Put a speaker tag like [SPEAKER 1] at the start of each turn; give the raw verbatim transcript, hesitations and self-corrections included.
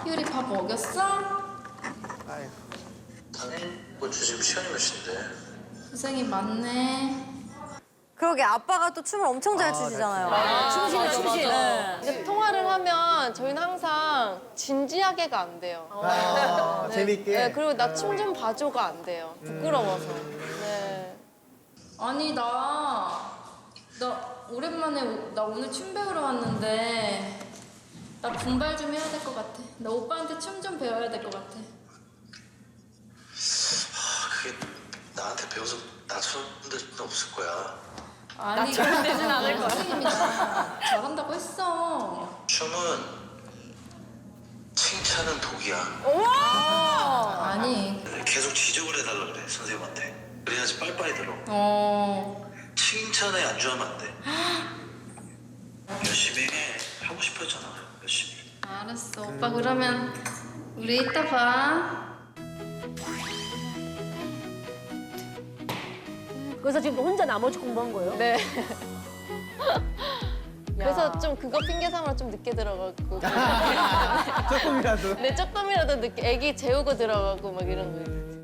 [SPEAKER 1] 희율이 밥 먹였어?
[SPEAKER 2] 아이고.
[SPEAKER 3] 당연히 뭐 지금 시간이 몇 시인데?
[SPEAKER 1] 고생이 많네.
[SPEAKER 4] 그러게 아빠가 또 춤을 엄청 잘 추시잖아요.
[SPEAKER 5] 춤신해, 춤신.
[SPEAKER 4] 네.
[SPEAKER 6] 이제 통화를 하면 저희는 항상 진지하게가 안 돼요.
[SPEAKER 2] 아, 재밌게.
[SPEAKER 6] 네, 그리고 나 춤 좀 봐줘가 안 돼요. 부끄러워서. 네.
[SPEAKER 1] 아니 나, 나 오랜만에 오- 나 오늘 춤 배우러 왔는데 나 분발 좀 해야 될 것 같아. 나 오빠한테 춤 좀 배워야 될 것 같아.
[SPEAKER 3] 아, 그게 나한테 배워서 나처럼 데는 없을 거야.
[SPEAKER 1] 아니 나처럼 되진 않을 거야. 선생님이 잘한다고 했어.
[SPEAKER 3] 춤은 칭찬은 독이야.
[SPEAKER 1] 아니
[SPEAKER 3] 계속 지적을 해달라 그래 선생님한테. 그래야지 빨빨이 들어.
[SPEAKER 1] 어
[SPEAKER 3] 칭찬에 안주하면 안 돼. 열심히 해. 하고 싶어 했잖아. 열심히.
[SPEAKER 1] 알았어. 오빠 그러면 우리 이따 봐.
[SPEAKER 5] 그래서 지금 혼자 나머지 공부한 거예요?
[SPEAKER 6] 네. 그래서 좀 그거 핑계 삼아 좀 늦게 들어가고.
[SPEAKER 2] 조금이라도.
[SPEAKER 6] 네, 조금이라도 늦게 애기 재우고 들어가고 막 이런 거.